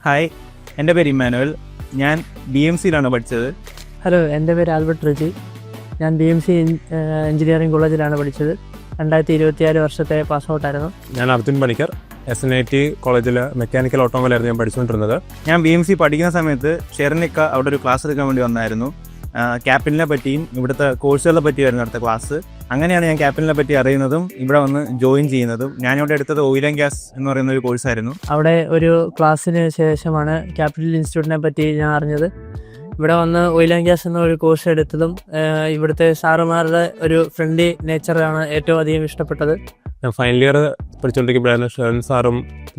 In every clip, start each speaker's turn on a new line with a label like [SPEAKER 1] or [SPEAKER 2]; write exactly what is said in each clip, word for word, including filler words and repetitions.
[SPEAKER 1] Hi, എൻ്റെ പേര് Emmanuel. ഞാൻ ബി എം സിയിലാണ് പഠിച്ചത്.
[SPEAKER 2] ഹലോ, എൻ്റെ പേര് ആൽബർട്ട് റിജി. ഞാൻ ബി എം സി എഞ്ചിനീയറിംഗ് കോളേജിലാണ് പഠിച്ചത്. രണ്ടായിരത്തി ഇരുപത്തിയാറ് വർഷത്തെ പാസ് ഔട്ടായിരുന്നു.
[SPEAKER 3] ഞാൻ Arjun Panicker, S N I T കോളേജിൽ മെക്കാനിക്കൽ ഓട്ടോമൊബൈലായിരുന്നു ഞാൻ പഠിച്ചുകൊണ്ടിരുന്നത്.
[SPEAKER 1] ഞാൻ ബി എം സി പഠിക്കുന്ന സമയത്ത് ഷെറിനിക്ക അവിടെ ഒരു ക്ലാസ് എടുക്കാൻ വേണ്ടി വന്നായിരുന്നു. ക്യാപിറ്റലിനെ പറ്റിയും ഇവിടുത്തെ കോഴ്സുകളെ പറ്റിയായിരുന്നു അടുത്ത ക്ലാസ്. അങ്ങനെയാണ് ഞാൻ ക്യാപിറ്റലിനെ പറ്റി അറിയുന്നതും ഇവിടെ വന്ന് ജോയിൻ ചെയ്യുന്നതും. ഞാനിവിടെ എടുത്തത് ഓയിൽ ആൻഡ് ഗ്യാസ് എന്ന് പറയുന്ന ഒരു കോഴ്സായിരുന്നു.
[SPEAKER 2] അവിടെ ഒരു ക്ലാസ്സിന് ശേഷമാണ് ക്യാപിറ്റൽ ഇൻസ്റ്റിറ്റ്യൂട്ടിനെ പറ്റി ഞാൻ അറിഞ്ഞത്. ഇവിടെ വന്ന് ഓയിൽ ആൻഡ് ഗ്യാസ് എന്ന ഒരു കോഴ്സ് എടുത്തതും ഇവിടുത്തെ സാറുമാരുടെ ഒരു ഫ്രണ്ട്ലി നേച്ചറാണ് ഏറ്റവും അധികം ഇഷ്ടപ്പെട്ടത്.
[SPEAKER 3] ഞാൻ ഫൈനൽ ഇയർ പഠിച്ചുകൊണ്ടിരിക്കുമ്പോഴാണ് ഷെറിൻ സാറും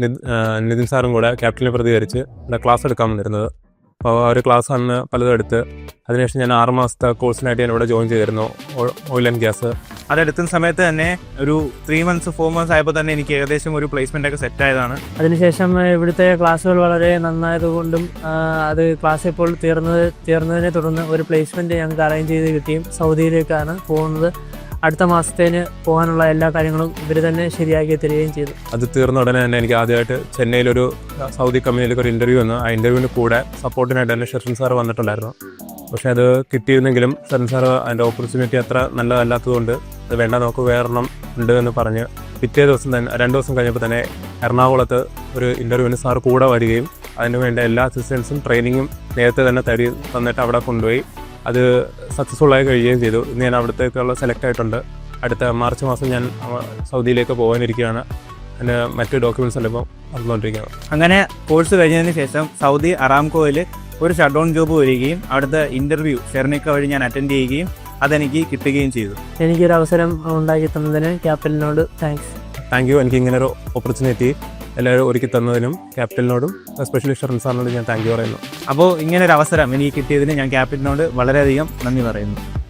[SPEAKER 3] നിതിൻ സാറും കൂടെ ക്യാപിറ്റലിനെ പ്രതികരിച്ച് ഇവിടെ ക്ലാസ് എടുക്കാൻ വന്നിരുന്നത്. അപ്പോൾ ആ ഒരു ക്ലാസ് അന്ന് പലതും എടുത്ത് അതിനുശേഷം ഞാൻ ആറ് മാസത്തെ കോഴ്സിനായിട്ട് ഞാൻ ഇവിടെ ജോയിൻ ചെയ്തിരുന്നു, ഓയിൽ ആൻഡ് ഗ്യാസ്.
[SPEAKER 1] അതെടുക്കുന്ന സമയത്ത് തന്നെ ഒരു ത്രീ മന്ത്സ് ഫോർ മന്ത്സ് ആയപ്പോൾ തന്നെ എനിക്ക് ഏകദേശം ഒരു പ്ലേസ്മെൻ്റ് ഒക്കെ സെറ്റ് ആയതാണ്.
[SPEAKER 2] അതിനുശേഷം ഇവിടുത്തെ ക്ലാസ്സുകൾ വളരെ നന്നായതുകൊണ്ടും അത് ക്ലാസ് ഇപ്പോൾ തീർന്നത് തീർന്നതിനെ തുടർന്ന് ഒരു പ്ലേസ്മെൻറ്റ് ഞങ്ങൾക്ക് അറേഞ്ച് ചെയ്ത് കിട്ടിയും സൗദിയിലേക്കാണ് പോകുന്നത്. അടുത്ത മാസത്തേന് പോകാനുള്ള എല്ലാ കാര്യങ്ങളും ഇവർ തന്നെ ശരിയാക്കി തരികയും ചെയ്തു.
[SPEAKER 3] അത് തീർന്ന ഉടനെ തന്നെ എനിക്ക് ആദ്യമായിട്ട് ചെന്നൈയിലൊരു സൗദി കമ്പനിയിലേക്ക് ഒരു ഇൻ്റർവ്യൂ വന്നു. ആ ഇൻ്റർവ്യൂവിന് കൂടെ സപ്പോർട്ടിനായിട്ട് തന്നെ ഷെറിൻ സാർ വന്നിട്ടുണ്ടായിരുന്നു. പക്ഷേ അത് കിട്ടിയിരുന്നെങ്കിലും ഷെറിൻ സാർ അതിൻ്റെ ഓപ്പർച്യൂണിറ്റി അത്ര നല്ലതല്ലാത്തതുകൊണ്ട് അത് വേണ്ട, നമുക്ക് വേറെണ്ണം ഉണ്ട് എന്ന് പറഞ്ഞ് പിറ്റേ ദിവസം തന്നെ രണ്ട് ദിവസം കഴിഞ്ഞപ്പോൾ തന്നെ എറണാകുളത്ത് ഒരു ഇൻ്റർവ്യൂവിന് സാർ കൂടെ വരികയും അതിന് വേണ്ട എല്ലാ അസിസ്റ്റൻസും ട്രെയിനിങ്ങും നേരത്തെ തന്നെ തരി തന്നിട്ട് അവിടെ കൊണ്ടുപോയി അത് സക്സസ്ഫുള്ളായി കഴിയുകയും ചെയ്തു. ഇന്ന് ഞാൻ അവിടത്തേക്കുള്ള സെലക്ട് ആയിട്ടുണ്ട്. അടുത്ത മാർച്ച് മാസം ഞാൻ സൗദിയിലേക്ക് പോകാനിരിക്കുകയാണ്. അതിന് മറ്റ് ഡോക്യുമെൻറ്റ്സ് എല്ലാം ഇപ്പോൾ വന്നുകൊണ്ടിരിക്കുകയാണ്.
[SPEAKER 1] അങ്ങനെ കോഴ്സ് കഴിഞ്ഞതിന് ശേഷം സൗദി അറാംകോയിൽ ഒരു ഷട്ട് ഡൗൺ ജോബ് വരികയും അവിടുത്തെ ഇൻ്റർവ്യൂ ഷെറിനിക്ക വഴി ഞാൻ അറ്റൻഡ് ചെയ്യുകയും അതെനിക്ക് കിട്ടുകയും ചെയ്തു.
[SPEAKER 2] എനിക്കൊരു അവസരം ഉണ്ടാക്കി തന്നതിന് ക്യാപിറ്റലിനോട് താങ്ക്സ്.
[SPEAKER 3] Thank you. എനിക്ക് ഇങ്ങനെ ഒരു ഓപ്പർച്യൂണിറ്റി എല്ലാവരും ഒരുക്കി തന്നതിനും ക്യാപിറ്റലിനോടും എസ്പെഷ്യലി ഷെറിൻ സാറിനോട് ഞാൻ താങ്ക് യു പറയുന്നു.
[SPEAKER 1] അപ്പോൾ ഇങ്ങനൊരു അവസരം എനിക്ക് കിട്ടിയതിന് ഞാൻ ക്യാപിറ്റലിനോട് വളരെയധികം നന്ദി പറയുന്നു.